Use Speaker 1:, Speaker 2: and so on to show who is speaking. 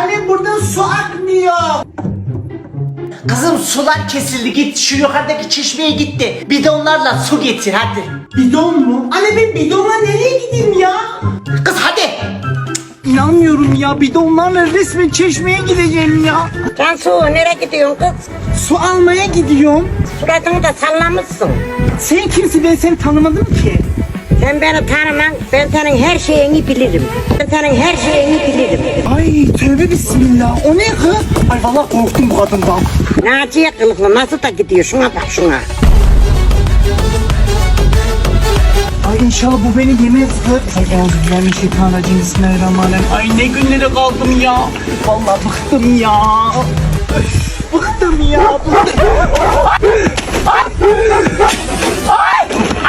Speaker 1: Anne buradan su akmıyor.
Speaker 2: Kızım sular kesildi, git şu yukarıdaki çeşmeye gitti. Bidonlarla su getir hadi.
Speaker 1: Bidon mu? Anne ben bidonla nereye gideyim ya?
Speaker 2: Kız hadi.
Speaker 1: İnanmıyorum ya, bidonlarla resmen çeşmeye gideceğim ya.
Speaker 3: Cansu nereye gidiyorsun kız?
Speaker 1: Su almaya gidiyorum.
Speaker 3: Suratını da sallamışsın.
Speaker 1: Sen kimsin, ben seni tanımadım ki.
Speaker 3: Sen beni tanıman, ben senin her şeyini bilirim. Ben senin her şeyini bilirim.
Speaker 1: Ay tövbe bismillah, o ne kız? Ay vallahi korktum bu kadından.
Speaker 3: Naciye kılıklı nasıl da gidiyor, şuna bak şuna.
Speaker 1: Ay inşallah bu beni yemez kız. Ay euzubillahimineşşeytanirracim, bismillahirrahmanirrahim. Ay ne günlere kaldım ya. Vallahi bıktım ya. Öf, bıktım ya.